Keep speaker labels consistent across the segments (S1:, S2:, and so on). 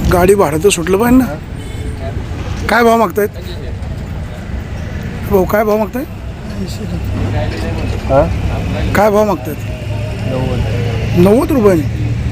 S1: गाडी भाडं तर सुटलं पाहिजे ना. काय भाव मागतायत भाऊ? काय भाव मागतायत? काय भाव मागतायत? 90 रुपये.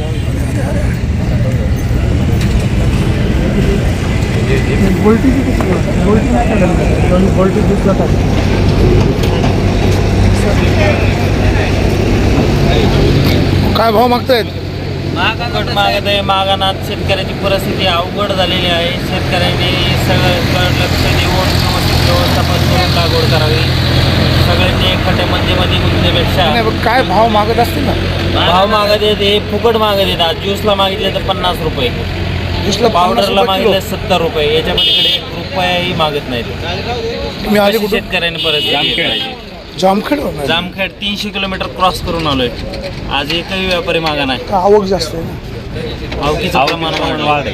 S1: काय भाव मागतायत?
S2: महागात मागत आहे. मागानात शेतकऱ्याची परिस्थिती अवघड झालेली आहे. शेतकऱ्यांनी सगळं लक्ष देऊन व्यवस्थित व्यवस्थापन करून लागवड करावी. सगळ्यांनी एकट्या मध्ये गुंतण्यापेक्षा
S1: काय भाव मागत असतील ना?
S2: भाव मागत आहेत. हे फुकट मागत आहेत. आज ज्यूसला मागितले तर 50 रुपये,
S1: ज्यूसला
S2: पावडरला मागितले 70 रुपये. याच्या पलीकडे 1 रुपयाही मागत नाहीत.
S1: तुम्ही आले कुठे?
S2: शेतकऱ्यांनी परिस्थिती
S1: जामखेड.
S2: जामखेड 300 किलोमीटर क्रॉस करून आलोय. आज एकही व्यापारी मागा नाही.
S1: आवक जास्त आहे ना.
S2: आवकीचं प्रमाण वाढ आहे.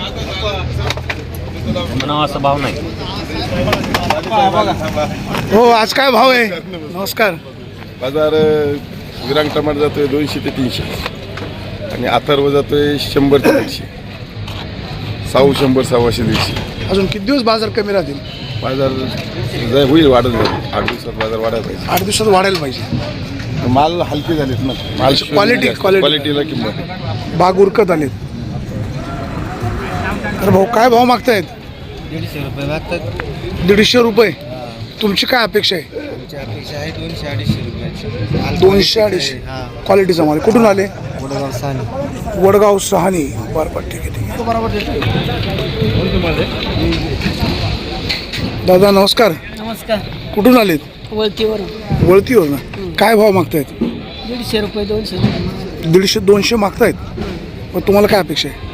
S2: असं भाव नाही.
S1: हो, आज काय भाव आहे? नमस्कार.
S3: बाजार विरांग टमाटर जातोय 200 ते 300 आणि अथर्व जातोय 100 ते 150. साऊ 100, 100, 150.
S1: अजून किती दिवस बाजार कमी राहतील?
S3: बाजार होईल, वाढत जाईल. 8 दिवसात बाजार वाढायला पाहिजे.
S1: 8 दिवसात वाढायला पाहिजे.
S3: माल हलके झालेत ना. माल क्वालिटीला किंमत.
S1: बाग उरकत आलेत. तर भाऊ काय भाव मागतायत?
S2: 150 रुपये मागतात.
S1: 150 रुपये. तुमची काय अपेक्षा आहे?
S2: तुमची अपेक्षा आहे 200-250 रुपये.
S1: 200-250 क्वालिटीचा माल. कुठून आले?
S2: वडगाव सानी.
S1: वडगाव सहानी. बरं ठीक आहे. दादा नमस्कार.
S4: नमस्कार.
S1: कुठून आलेत?
S4: वळतीवरून.
S1: वळतीवर ना. काय भाव मागतायत?
S4: 150 रुपये 200 रुपये.
S1: 150-200 मागतायत. मग तुम्हाला काय अपेक्षा आहे?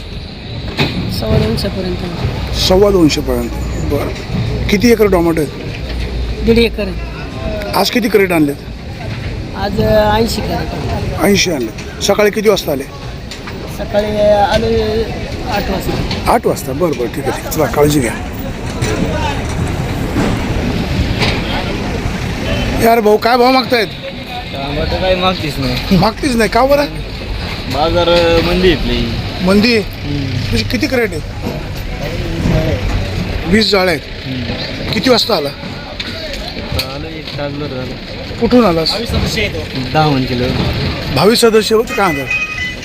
S4: 250 पर्यंत.
S1: 250 पर्यंत. बरं. किती एकर टोमॅटो आहेत?
S4: 1.5 एकर.
S1: आज किती क्रेट आणलेत?
S4: आज 80 कॅरेट.
S1: 80 आणले. सकाळी किती वाजता आले?
S4: सकाळी आलो 8 वाजता.
S1: 8 वाजता. बरं ठीक आहे ठीक आहे. चला काळजी घ्या. यार भाऊ काय भाव मागतायत?
S2: टमाटर काही मागतीच नाही.
S1: मागतीच नाही का बरं?
S2: बाजार मंदी इथली.
S1: मंदी तुझी किती क्रेट आहेत? 20 जाळ्या आहेत. किती वाजता आला? कुठून आलास?
S2: 10 किलो.
S1: 22 सदस्य होते का? अंदाज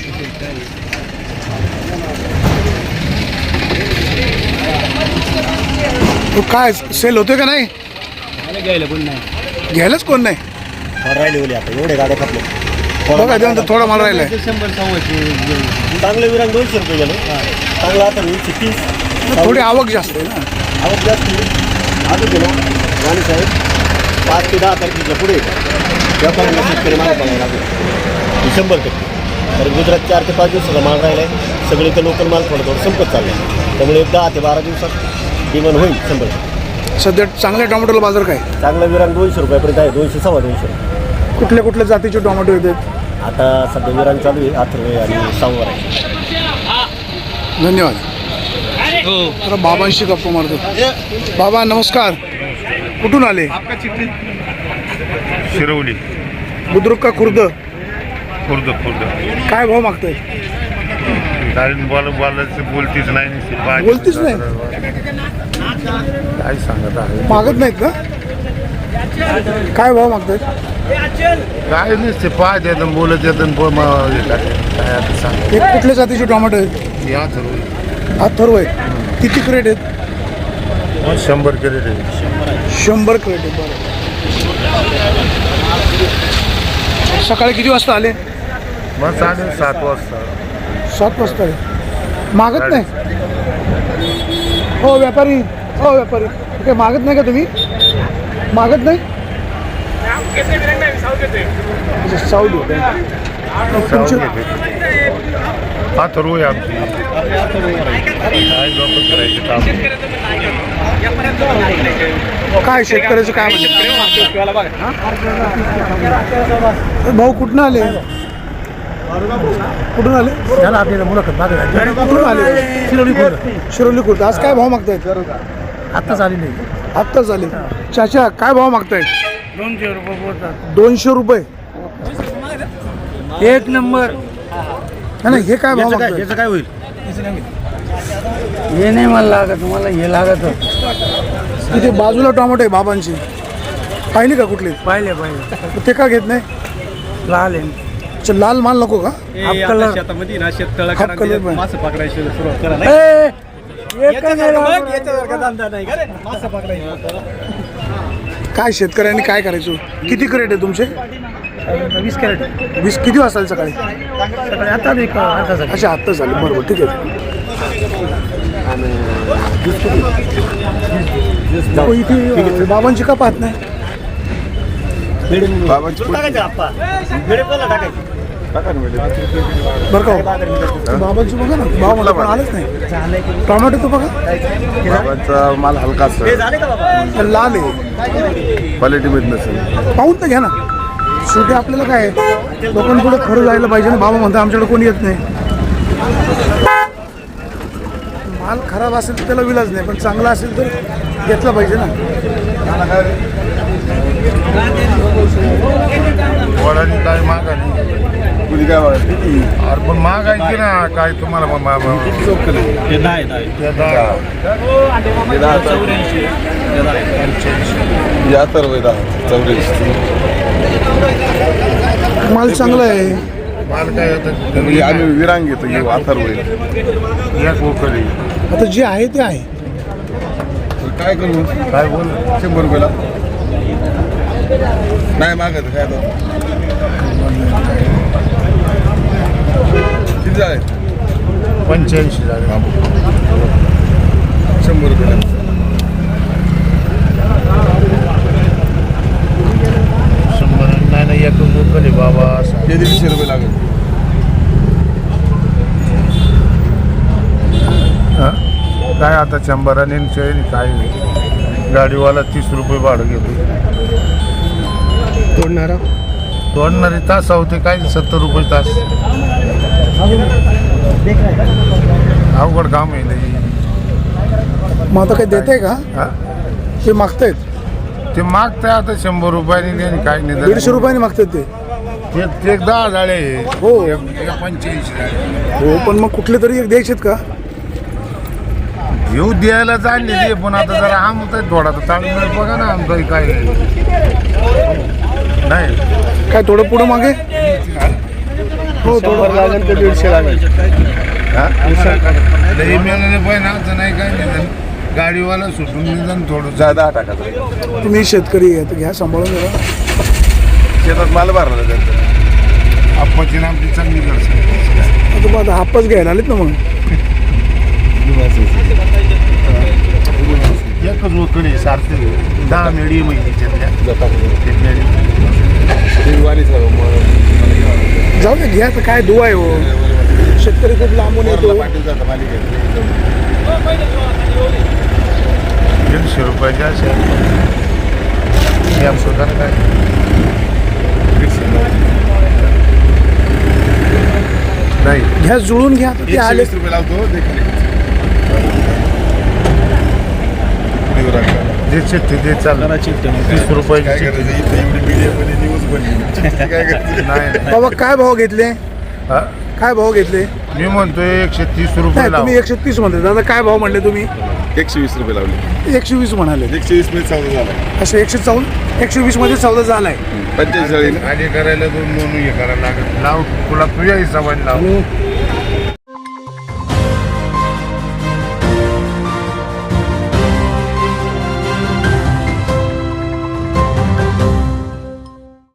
S1: तो काय सेल होते का नाही?
S2: घ्यायला पण नाही.
S1: घ्यायलाच कोण नाही.
S2: राहिले ओले आता एवढे गाड्या खापले.
S1: बघा त्यानंतर थोडा माल राहिलाय.
S2: 100-150 चांगलं विरांग 200 रुपये गेलं. चांगलं आता 130.
S1: थोडी आवक जास्त आहे ना.
S2: आवक जास्त आता गेलो वाणी साहेब 5 ते 10 तारखेच्या पुढे व्यापाऱ्यांना शेतकरी माल बघायला लागले 100%. तर गुजरात 4 ते 5 दिवसाचा माल राहिला आहे. सगळे तर लोकल माल थोडं संपत चाललं आहे. त्यामुळे 10 ते 12 दिवसात डिमांड होईल 100.
S1: सध्या चांगल्या टोमॅटोला बाजार काय?
S2: चांगलं विरांग 200 रुपयापर्यंत आहे. 200-250.
S1: कुठल्या कुठल्या जातीचे टोमॅटो येतात?
S2: आता सध्या विरांग चालू आहे. अथर्व आणि साववर आहे.
S1: धन्यवाद. तर बाबांशी गप्पा मारतो. बाबा नमस्कार. कुठून आले?
S5: शिरवली.
S1: बुद्रुक का खुर्द?
S5: खुर्द.
S1: काय भाव मागताय?
S5: कारण बोलायचं बोलतीच नाही.
S1: बोलतीच नाही?
S5: काय सांगत आहे?
S1: मागत नाहीत का? काय भाव मागतायत?
S5: काय नसते पाहत येतं बोलत येतं काय आता सांग.
S1: हे कुठल्या जातीचे टोमॅटो आहेत?
S5: या
S1: अथर्व आहेत. किती क्रेट आहेत?
S5: 100 क्रेट आहे.
S1: 100 क्रेट आहे. बरं. सकाळी किती वाजता आले?
S5: मग चालेल 7 वाजता.
S1: 7 वाजता आहे. मागत नाही? हो व्यापारी. काय मागत नाही का तुम्ही? मागत नाही? साऊथ होते.
S5: अथर्व आहे आमची. काय लोक करायचे काम.
S1: काय शेतकऱ्याचं काय म्हणते? भाऊ कुठून आले? कुठून आले?
S2: आपल्याला मुलाखत मागे
S1: कुठून आले? शिरोली खुर्द. आज काय भाव मागतायत?
S2: आत्ताच आली नाही.
S1: आत्ताच आले. चाचा काय भाव मागतायत?
S2: 200 रुपये बोलतात.
S1: 200 रुपये.
S2: 1 नंबर.
S1: नाही हे काय भाव मागतायत?
S2: याचं काय होईल?
S5: हे नाही मला लागत, मला हे लागत.
S1: इथे बाजूला टोमॅटो आहे बाबांची, पाहिली का कुठली?
S5: पाहिले
S1: ते का घेत नाही?
S5: लाल आहे.
S1: अच्छा, लाल माल नको का?
S5: Half colour.
S6: शेतामध्ये ना शेततळ
S1: हाफ कलर पण.
S6: मासे पकडायची सुरुवात करा मासे पकडायची.
S1: काय शेतकऱ्यांनी काय करायचं? किती क्रेट आहे तुमचे?
S5: 20 कॅरेट
S1: 20. किती वाजता सकाळी?
S5: आता नाही का आता झालं.
S1: अच्छा, आत्ता झाले. बरोबर, ठीक आहे. हो, इथे बाबांची का पाहत नाही?
S3: बाबांची
S2: टाकायचं आप्पा वेळे पहिला टाकायचं.
S3: टाका ना वेळेत.
S1: बरं का हो? बाबांची बघा ना, बाबा मला पण आलंच नाही. टोमॅटो तो बघा,
S3: बाबांचा माल हलका
S2: हे
S3: असतो,
S2: झाले का बाबा?
S1: लाल आहे.
S3: क्वालिटीमध्ये नसेल.
S1: पाहून तर घ्या ना. शेवटी आपल्याला काय आहे, लोकांपुढे खरं जायला पाहिजे ना. बाबा म्हणतात आमच्याकडे कोणी येत नाही. माल खराब असेल तर त्याला विलाज नाही, पण चांगला असेल तर घेतला पाहिजे ना.
S5: वडानी काय मागायची,
S3: कुणी काय वाटतं?
S5: अरे पण मागायची ना काय तुम्हाला
S3: किती चौकल आहे?
S6: हे नाही
S3: हे 10,000. हे अथर्व आहे 10,084.
S1: माल चांगला आहे.
S5: माल काय होतं
S3: म्हणजे आम्ही विरांग घेतो, हे अथर्व आहे.
S5: एक उकली.
S1: आता जे आहे ते आहे.
S3: काय करू?
S5: काय बोल
S3: 100 रुपयाला नाही मागत काय आता. किती झाले?
S5: 85 झाले.
S3: 100 रुपयाला.
S5: नाही एक उकली बाबा.
S3: हे 150 रुपये लागेल.
S5: काय आता 100 आणि काय गाडीवाला 30 रुपये भाडं घेतो. तोडणारे तास होते काय 70 रुपये तास. अवघड काम आहे लई.
S1: मग आता काही देत आहे का?
S5: हा?
S1: ते मागतायत
S5: ते मागताय आता 100 रुपयाने आणि काय नाही
S1: 150 रुपयाने मागतात ते.
S5: ते 10 झाले.
S1: हो.
S5: 85 झाले.
S1: हो, पण मग कुठले तरी एक द्यायचेत का?
S5: येऊ द्यायला चाललेली पण आता जरा आमचा थोडा तर ताळमेळ बघा ना आमचं काय नाही.
S1: काय थोडं पुढं मागे? हो,
S2: 100 लागेल तर 150 लागेल.
S5: लई मिळाले पण असं नाही काय निदान गाडीवाला सुटून निदान थोडं.
S3: जादा टाकायचं.
S1: तुम्ही शेतकरी आहे तर घ्या, सांभाळून घ्या.
S3: शेतात माल भरला त्यांचा.
S5: आप्पाची ना आमची चांगली करते.
S1: आता मग आता हापच घ्यायला आलेत ना मग.
S5: एकच उकडी सारखे 10 मेळी महिन्याच्या
S1: जाऊ दे, घ्या तर काय दुआ आहे हो. शेतकरी खूप लांबून येतो.
S5: 150 रुपयाच्या असेल या सुद्धा काय नाही.
S1: घ्या, जुळून घ्या. ते आले
S3: 120 रुपये लावतो.
S5: जे चिठ्ठी ते चाललं 30 रुपयाची
S3: काय
S5: चिठ्ठी.
S3: करायचं? इथे एवढी मीडियामध्ये न्यूज बनली. काय करायचं?
S5: नाही
S1: बाबा काय भाव घेतले?
S5: हा?
S1: काय भाव घेतले?
S5: मी म्हणतोय 130 रुपये
S1: नाही,
S5: लाव.
S1: तुम्ही 130 म्हणते. दादा काय भाव म्हणले तुम्ही?
S3: 120 रुपये लावले.
S1: 120 म्हणाले.
S3: 120 मध्ये चौदा झाला.
S1: असं 120 मध्ये सौदा झालाय.
S3: 45
S5: खाली करायला 2 हे करायला लागत. लाव तुला तुझ्या हिशोबाने लाव.